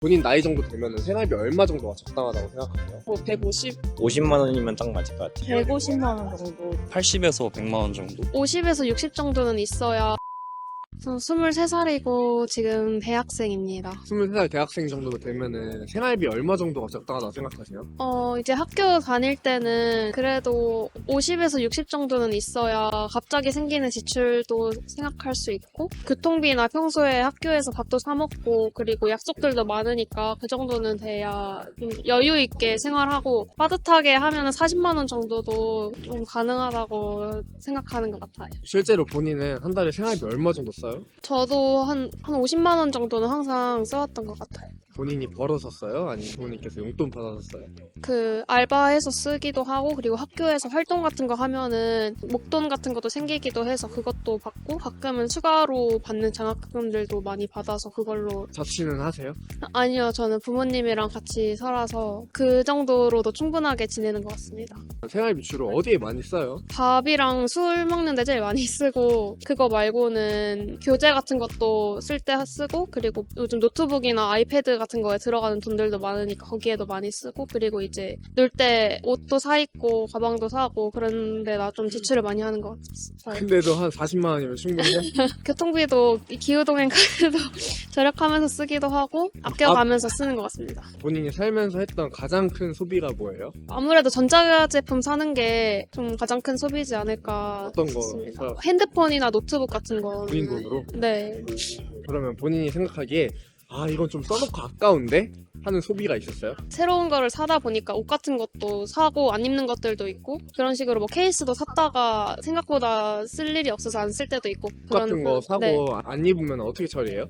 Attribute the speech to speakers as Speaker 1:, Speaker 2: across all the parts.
Speaker 1: 본인 나이 정도 되면 생활비 얼마 정도가 적당하다고 생각하세요?
Speaker 2: 뭐 150?
Speaker 3: 50만 원이면 딱 맞을 것 같아요.
Speaker 2: 150만 원 정도.
Speaker 4: 80에서 100만 원 정도?
Speaker 5: 50에서 60 정도는 있어야. 저 23살이고 지금 대학생입니다.
Speaker 1: 23살 대학생 정도 되면은 생활비 얼마 정도가 적당하다고 생각하세요?
Speaker 5: 이제 학교 다닐 때는 그래도 50에서 60 정도는 있어야 갑자기 생기는 지출도 생각할 수 있고, 교통비나 평소에 학교에서 밥도 사 먹고, 그리고 약속들도 많으니까 그 정도는 돼야 좀 여유 있게 생활하고, 빠듯하게 하면 40만 원 정도도 좀 가능하다고 생각하는 것 같아요.
Speaker 1: 실제로 본인은 한 달에 생활비 얼마 정도 써요?
Speaker 5: 저도 한 50만 원 정도는 항상 써왔던 것 같아요.
Speaker 1: 본인이 벌어서 써요? 아니면 부모님께서 용돈 받아서 써요?
Speaker 5: 그 알바해서 쓰기도 하고, 그리고 학교에서 활동 같은 거 하면은 목돈 같은 것도 생기기도 해서 그것도 받고, 가끔은 추가로 받는 장학금들도 많이 받아서 그걸로.
Speaker 1: 자취는 하세요?
Speaker 5: 아니요, 저는 부모님이랑 같이 살아서 그 정도로도 충분하게 지내는 것 같습니다.
Speaker 1: 생활비 주로 어디에 많이 써요?
Speaker 5: 밥이랑 술 먹는 데 제일 많이 쓰고, 그거 말고는 교재 같은 것도 쓸 때 쓰고, 그리고 요즘 노트북이나 아이패드 같은 거에 들어가는 돈들도 많으니까 거기에도 많이 쓰고, 그리고 이제 놀 때 옷도 사 입고 가방도 사고 그런데 나 좀 지출을 많이 하는 것 같아요.
Speaker 1: 근데도 한 40만 원이면 충분해요?
Speaker 5: 교통비도 기후동행 카드도 절약하면서 쓰기도 하고 아껴가면서 쓰는 것 같습니다.
Speaker 1: 본인이 살면서 했던 가장 큰 소비가 뭐예요?
Speaker 5: 아무래도 전자제품 사는 게 좀 가장 큰 소비지 않을까
Speaker 1: 어떤 거
Speaker 5: 싶습니다.
Speaker 1: 사요?
Speaker 5: 핸드폰이나 노트북 같은 거.
Speaker 1: 본인 돈으로?
Speaker 5: 네.
Speaker 1: 그러면 본인이 생각하기에 이건 좀 써놓고 아까운데? 하는 소비가 있었어요?
Speaker 5: 새로운 거를 사다 보니까 옷 같은 것도 사고 안 입는 것들도 있고, 그런 식으로 뭐 케이스도 샀다가 생각보다 쓸 일이 없어서 안 쓸 때도 있고.
Speaker 1: 옷 같은 거 사고
Speaker 5: 네.
Speaker 1: 안 입으면 어떻게 처리해요?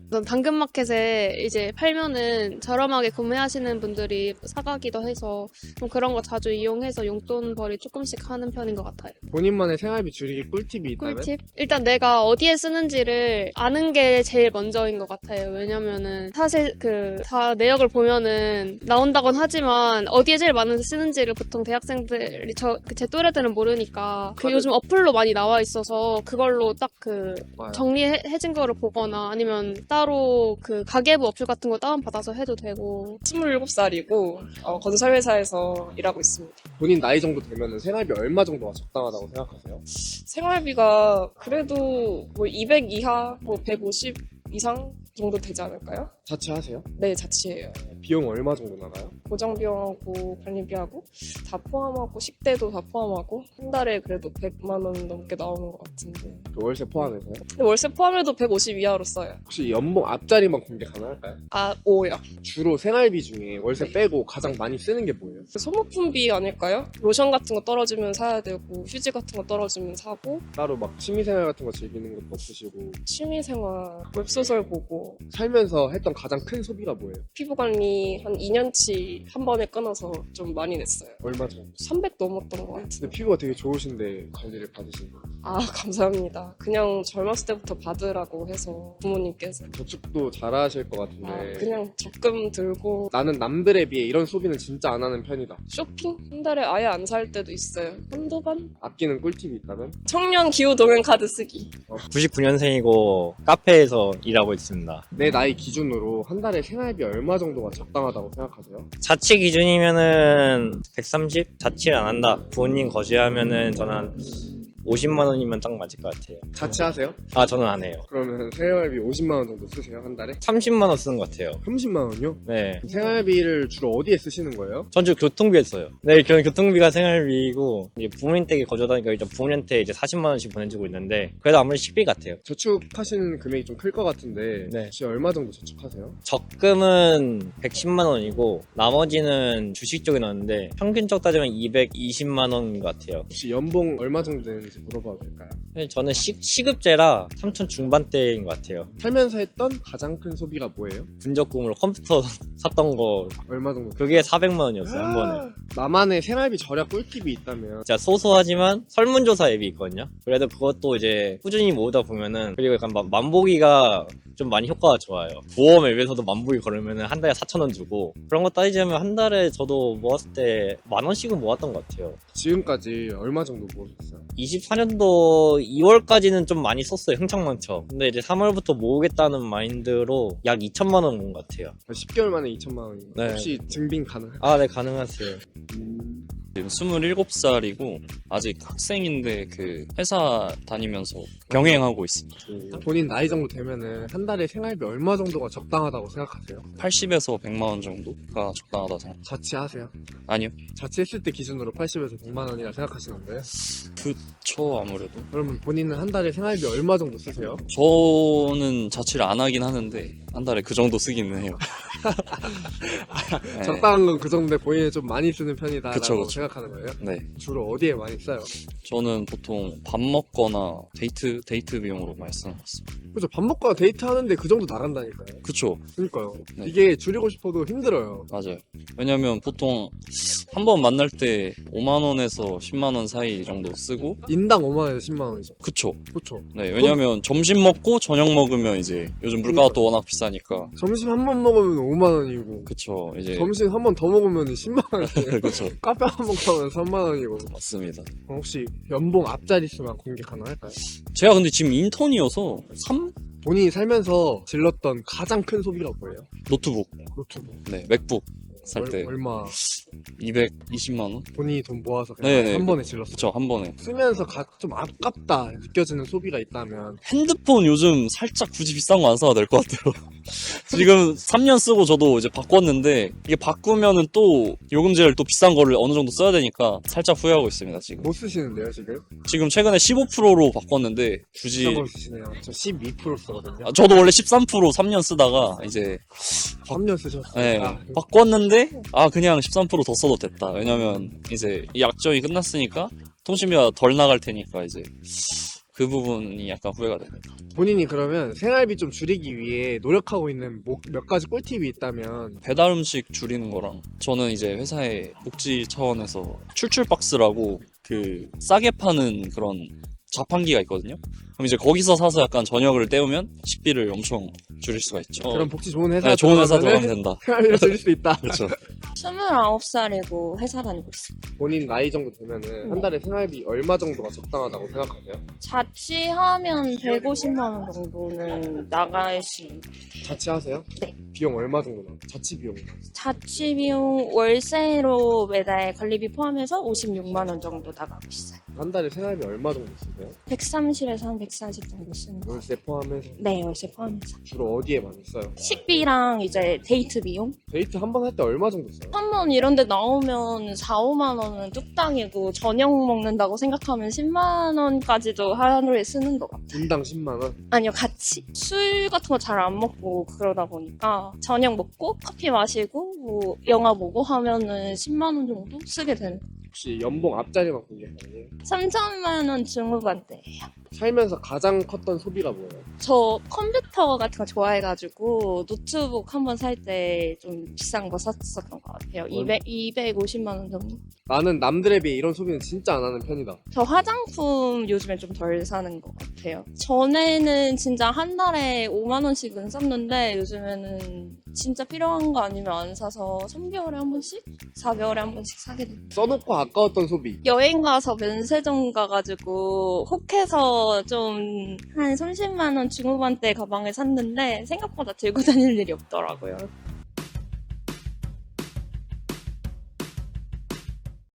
Speaker 5: 당근마켓에 이제 팔면은 저렴하게 구매하시는 분들이 사가기도 해서 좀 그런 거 자주 이용해서 용돈벌이 조금씩 하는 편인 것 같아요.
Speaker 1: 본인만의 생활비 줄이기 꿀팁이 있다면?
Speaker 5: 꿀팁? 일단 내가 어디에 쓰는지를 아는 게 제일 먼저인 것 같아요. 왜냐면은 사실 다 내역을 보면은 나온다곤 하지만 어디에 제일 많은 쓰는지를 보통 대학생들이 제 또래들은 모르니까 요즘 어플로 많이 나와 있어서 그걸로 딱
Speaker 1: 맞아요.
Speaker 5: 정리해진 거를 보거나, 아니면 따로 가계부 어플 같은 거 다운받아서 해도 되고.
Speaker 2: 27살이고 건설회사에서 일하고 있습니다.
Speaker 1: 본인 나이 정도 되면 생활비 얼마 정도가 적당하다고 생각하세요?
Speaker 2: 생활비가 그래도 뭐 200 이하, 뭐 150 이상 정도 되지 않을까요?
Speaker 1: 자취하세요?
Speaker 2: 네, 자취해요.
Speaker 1: 비용 얼마 정도 나가요?
Speaker 2: 고정비용하고 관리비하고 다 포함하고 식대도 다 포함하고 한 달에 그래도 100만 원 넘게 나오는 것 같은데,
Speaker 1: 그 월세 포함해서요?
Speaker 2: 근데 월세 포함해도 150 이하로 써요.
Speaker 1: 혹시 연봉 앞자리만 공개 가능할까요?
Speaker 2: 5요.
Speaker 1: 주로 생활비 중에 월세 빼고 가장 많이 쓰는 게 뭐예요?
Speaker 2: 소모품비 아닐까요? 로션 같은 거 떨어지면 사야 되고, 휴지 같은 거 떨어지면 사고,
Speaker 1: 따로 막 취미생활 같은 거 즐기는 것도 없으시고
Speaker 2: 취미생활, 웹소설 보고,
Speaker 1: 살면서 했던 가장 큰 소비가 뭐예요?
Speaker 2: 피부관리 한 2년치 한 번에 끊어서 좀 많이 냈어요.
Speaker 1: 얼마 정도?
Speaker 2: 300 넘었던 것 같은데.
Speaker 1: 근데 피부가 되게 좋으신데 관리를 받으신 거예요?
Speaker 2: 감사합니다. 그냥 젊었을 때부터 받으라고 해서 부모님께서.
Speaker 1: 저축도 잘하실 것 같은데
Speaker 2: 그냥 적금 들고.
Speaker 1: 나는 남들에 비해 이런 소비는 진짜 안 하는 편이다.
Speaker 2: 쇼핑? 한 달에 아예 안 살 때도 있어요. 한두 번?
Speaker 1: 아끼는 꿀팁이 있다면?
Speaker 2: 청년 기후동행 카드 쓰기.
Speaker 3: 99년생이고 카페에서 일하고 있습니다.
Speaker 1: 내 나이 기준으로 한 달에 생활비 얼마 정도가 적당하다고 생각하세요?
Speaker 3: 자취 기준이면은 130? 자취를 안 한다. 부모님 거주하면은 저는 한 50만 원이면 딱 맞을 것 같아요.
Speaker 1: 자취하세요?
Speaker 3: 저는 안 해요.
Speaker 1: 그러면 생활비 50만 원 정도 쓰세요 한 달에?
Speaker 3: 30만 원 쓰는 것 같아요.
Speaker 1: 30만 원이요?
Speaker 3: 네.
Speaker 1: 생활비를 주로 어디에 쓰시는 거예요?
Speaker 3: 전주 교통비에 써요. 네, 교통비가 생활비이고, 이제 부모님 댁에 거주하다니까 일단 부모님한테 이제 40만 원씩 보내주고 있는데, 그래도 아무리 식비 같아요.
Speaker 1: 저축하시는 금액이 좀 클 것 같은데
Speaker 3: 네.
Speaker 1: 혹시 얼마 정도 저축하세요?
Speaker 3: 적금은 110만 원이고, 나머지는 주식 쪽에 넣었는데, 평균적 따지면 220만 원인 것 같아요.
Speaker 1: 혹시 연봉 얼마 정도 되는지 물어봐도 될까요?
Speaker 3: 저는 시급제라 3천 중반대인 것 같아요.
Speaker 1: 살면서 했던 가장 큰 소비가 뭐예요?
Speaker 3: 분적금으로 컴퓨터 샀던 거,
Speaker 1: 얼마 정도?
Speaker 3: 그게 400만 원이었어요, 한 번에.
Speaker 1: 나만의 생활비 절약 꿀팁이 있다면
Speaker 3: 진짜 소소하지만 설문조사 앱이 있거든요. 그래도 그것도 이제 꾸준히 모으다 보면은, 그리고 약간 만보기가 좀 많이 효과가 좋아요. 보험 앱에서도 만보기 걸으면은 한 달에 4,000원 주고, 그런 거 따지자면 한 달에 저도 모았을 때 10,000원씩은 모았던 것 같아요.
Speaker 1: 지금까지 얼마 정도 모으셨어요?
Speaker 3: 20 2024년도 2월까지는 좀 많이 썼어요. 흥청망청. 근데 이제 3월부터 모으겠다는 마인드로 약 2천만 원 모은 것 같아요.
Speaker 1: 10개월 만에 2천만 원이요.
Speaker 3: 네.
Speaker 1: 혹시 증빙 가능할까요?
Speaker 3: 아, 네, 가능하세요.
Speaker 4: 지금 27살이고 아직 학생인데 그 회사 다니면서 병행하고 있습니다.
Speaker 1: 본인 나이 정도 되면은 한 달에 생활비 얼마 정도가 적당하다고 생각하세요?
Speaker 4: 80에서 100만 원 정도가 적당하다 생각.
Speaker 1: 자취하세요?
Speaker 4: 아니요.
Speaker 1: 자취했을 때 기준으로 80에서 100만 원이라 생각하시는 거예요?
Speaker 4: 그쵸 아무래도.
Speaker 1: 그러면 본인은 한 달에 생활비 얼마 정도 쓰세요?
Speaker 4: 저는 자취를 안 하긴 하는데 한 달에 그 정도 쓰기는 해요. 네.
Speaker 1: 적당한 건 그 정도인데 본인은 좀 많이 쓰는 편이다라고
Speaker 4: 그쵸, 그쵸.
Speaker 1: 생각하는 거예요?
Speaker 4: 네.
Speaker 1: 주로 어디에 많이 써요?
Speaker 4: 저는 보통 밥 먹거나 데이트 비용으로 많이 쓰는 것 같습니다.
Speaker 1: 그죠, 밥 먹거나 데이트 하는데 그 정도 나간다니까요.
Speaker 4: 그쵸.
Speaker 1: 그러니까요.
Speaker 4: 네.
Speaker 1: 이게 줄이고 싶어도 힘들어요.
Speaker 4: 맞아요. 왜냐면 보통 한 번 만날 때 5만 원에서 10만 원 사이 정도 쓰고
Speaker 1: 인당 5만 원에서 10만 원이죠.
Speaker 4: 그쵸.
Speaker 1: 그렇죠.
Speaker 4: 네, 왜냐면 점심 먹고 저녁 먹으면 이제 요즘 물가가 또 워낙 비싸니까.
Speaker 1: 점심 한 번 먹으면 5만 원이고
Speaker 4: 그쵸, 이제.
Speaker 1: 점심 한 번 더 먹으면 10만 원이에요.
Speaker 4: 그쵸.
Speaker 1: 카페 한 번 가면 3만 원이고.
Speaker 4: 맞습니다.
Speaker 1: 혹시 연봉 앞자릿수만 공개 가능할까요?
Speaker 4: 제가 근데 지금 인턴이어서
Speaker 1: 본인이 살면서 질렀던 가장 큰 소비가 뭐예요?
Speaker 4: 노트북,
Speaker 1: 노트북.
Speaker 4: 네, 맥북 살 때
Speaker 1: 얼마
Speaker 4: 220만 원?
Speaker 1: 본인이 돈 모아서 그냥
Speaker 4: 네네.
Speaker 1: 한 번에 질렀어요.
Speaker 4: 그쵸, 한 번에.
Speaker 1: 쓰면서 좀 아깝다 느껴지는 소비가 있다면
Speaker 4: 핸드폰 요즘 살짝 굳이 비싼 거 안 사도 될 것 같아요. 지금 3년 쓰고 저도 이제 바꿨는데 이게 바꾸면은 또 요금제를 또 비싼 거를 어느 정도 써야 되니까 살짝 후회하고 있습니다, 지금.
Speaker 1: 못 쓰시는데요 지금?
Speaker 4: 지금 최근에 15%로 바꿨는데 굳이
Speaker 1: 비싼 걸 쓰시네요. 저 12% 쓰거든요.
Speaker 4: 저도 원래 13% 3년 쓰다가 이제
Speaker 1: 3년 쓰셨어요.
Speaker 4: 네,
Speaker 1: 아,
Speaker 4: 바꿨는데 그냥 13%더 써도 됐다. 왜냐면 이제 이 약정이 끝났으니까 통신비가 덜 나갈 테니까 이제 그 부분이 약간 후회가 됩니다.
Speaker 1: 본인이 그러면 생활비 좀 줄이기 위해 노력하고 있는 몇 가지 꿀팁이 있다면
Speaker 4: 배달 음식 줄이는 거랑 저는 이제 회사의 복지 차원에서 출출 박스라고 그 싸게 파는 그런 자판기가 있거든요. 그럼 이제 거기서 사서 약간 저녁을 때우면 식비를 엄청 줄일 수가 있죠.
Speaker 1: 그런 복지 좋은 회사
Speaker 4: 네, 좋은 회사 들어가면 된다.
Speaker 1: 생활비를 줄일 수 있다.
Speaker 4: 그렇죠.
Speaker 2: 29살이고 회사 다니고 있어요.
Speaker 1: 본인 나이 정도 되면은 한 달에 생활비 얼마 정도가 적당하다고 생각하세요?
Speaker 2: 자취하면 150만 원 정도는 나갈 수 있는.
Speaker 1: 자취하세요?
Speaker 2: 네.
Speaker 1: 비용 얼마 정도 나요? 자취 비용.
Speaker 2: 자취 비용 월세로 매달 관리비 포함해서 56만 원 정도 나가고 있어요.
Speaker 1: 한 달에 생활비 얼마 정도 쓰세요?
Speaker 2: 130에서 한 140 정도 쓰는 거.
Speaker 1: 월세 포함해서
Speaker 2: 네, 월세 포함해서.
Speaker 1: 주로 어디에 많이 써요?
Speaker 2: 식비랑 이제 데이트 비용?
Speaker 1: 데이트 한 번 할 때 얼마 정도 써요?
Speaker 2: 한 번 이런 데 나오면 4, 5만 원은 뚝딱이고 저녁 먹는다고 생각하면 10만 원까지도 하루에 쓰는 것 같아요.
Speaker 1: 인당 10만 원?
Speaker 2: 아니요, 같이. 술 같은 거 잘 안 먹고 그러다 보니까 저녁 먹고 커피 마시고 뭐 영화 보고 하면은 10만 원 정도 쓰게 되는.
Speaker 1: 혹시 연봉 앞자리만 공개 가능해요?
Speaker 2: 3천만 원 중후반대예요.
Speaker 1: 살면서 가장 컸던 소비가 뭐예요?
Speaker 2: 저 컴퓨터 같은 거 좋아해가지고 노트북 한 번 살 때 좀 비싼 거 샀었던 것 같아요. 250만 원 정도?
Speaker 1: 나는 남들에 비해 이런 소비는 진짜 안 하는 편이다.
Speaker 2: 저 화장품 요즘에 좀 덜 사는 것 같아요. 전에는 진짜 한 달에 5만 원씩은 썼는데 요즘에는 진짜 필요한 거 아니면 안 사서 3개월에 한 번씩? 4개월에 한 번씩 사게 돼요.
Speaker 1: 써놓고 아까웠던 소비.
Speaker 2: 여행 가서 면세점 가가지고 혹해서 좀 한 30만 원 중후반대 가방을 샀는데 생각보다 들고 다닐 일이 없더라고요.